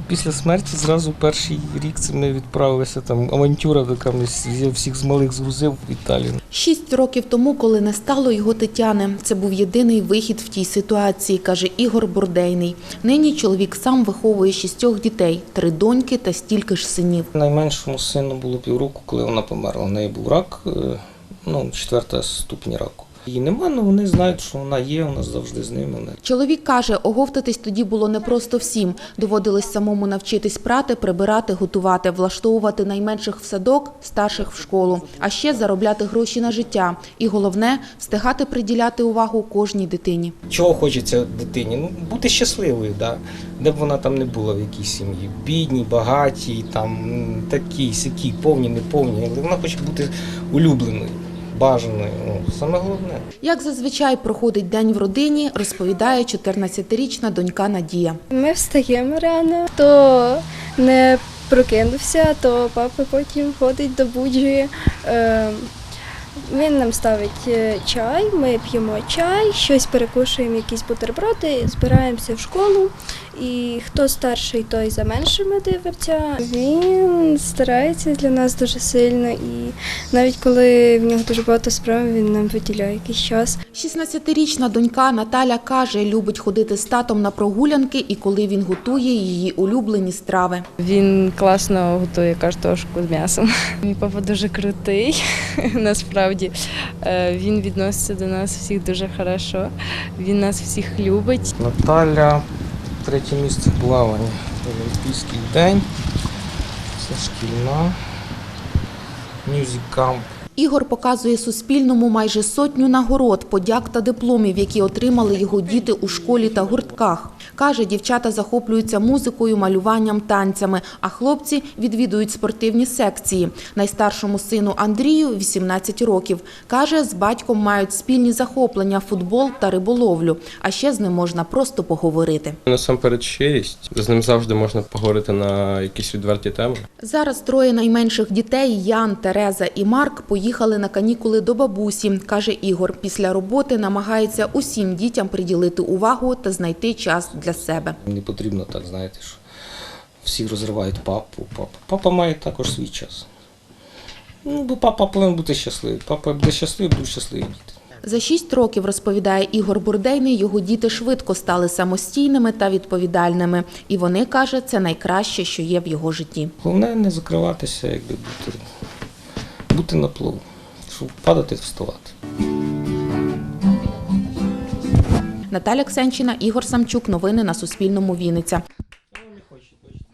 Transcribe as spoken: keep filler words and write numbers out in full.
Після смерті зразу перший рік це ми відправилися, там авантюра така, я всіх з малих згрузив в Італію. Шість років тому, коли не стало його Тетяни, це був єдиний вихід в тій ситуації, каже Ігор Бурдейний. Нині чоловік сам виховує шістьох дітей, три доньки та стільки ж синів. Найменшому сину було півроку, коли вона померла. У неї був рак, ну, четверта ступінь раку. Її нема, але вони знають, що вона є, вона завжди з ними. Чоловік каже, оговтатись тоді було не просто всім. Доводилось самому навчитись прати, прибирати, готувати, влаштовувати найменших в садок, старших в школу. А ще заробляти гроші на життя. І головне – встигати приділяти увагу кожній дитині. Чого хочеться дитині? Ну, бути щасливою, да? Де б вона там не була в якійсь сім'ї. Бідній, багатій, там, такій, сякій, повні, неповні. Але вона хоче бути улюбленою. Бажаною, ну, саме головне. Як зазвичай проходить день в родині, розповідає чотирнадцятирічна донька Надія. Ми встаємо рано, хто не прокинувся, то папа потім ходить, добуджує. Він нам ставить чай, ми п'ємо чай, щось перекушуємо, якісь бутерброди, збираємося в школу. І хто старший, той за меншими дивиться. Він старається для нас дуже сильно і навіть коли в нього дуже багато справ, він нам виділяє якийсь час. шістнадцятирічна донька Наталя каже, любить ходити з татом на прогулянки і коли він готує її улюблені страви. Він класно готує картошку з м'ясом. Мій папа дуже крутий, насправді. Він відноситься до нас всіх дуже хорошо, він нас всіх любить. Наталя третє місце в плаванні. Олімпійський день, це шкільна, мюзик-камп. Ігор показує Суспільному майже сотню нагород, подяк та дипломів, які отримали його діти у школі та гуртках. Каже, дівчата захоплюються музикою, малюванням, танцями, а хлопці відвідують спортивні секції. Найстаршому сину Андрію – вісімнадцять років. Каже, з батьком мають спільні захоплення – футбол та риболовлю. А ще з ним можна просто поговорити. Насамперед щирість. З ним завжди можна поговорити на якісь відверті теми. Зараз троє найменших дітей – Ян, Тереза і Марк – поїхали на канікули до бабусі. Каже Ігор, після роботи намагається усім дітям приділити увагу та знайти час для себе. Не потрібно так, знаєте, що всі розривають папу. Папа, папа має також свій час. Ну, бо папа повинен бути щасливий. Папа буде щасливий, будуть щасливі діти. За шість років, розповідає Ігор Бурдейний, його діти швидко стали самостійними та відповідальними. І вони, каже, це найкраще, що є в його житті. Головне не закриватися, якби бути, бути на плаву, щоб падати, вставати. Наталя Ксенчина, Ігор Самчук. Новини на Суспільному. Вінниця.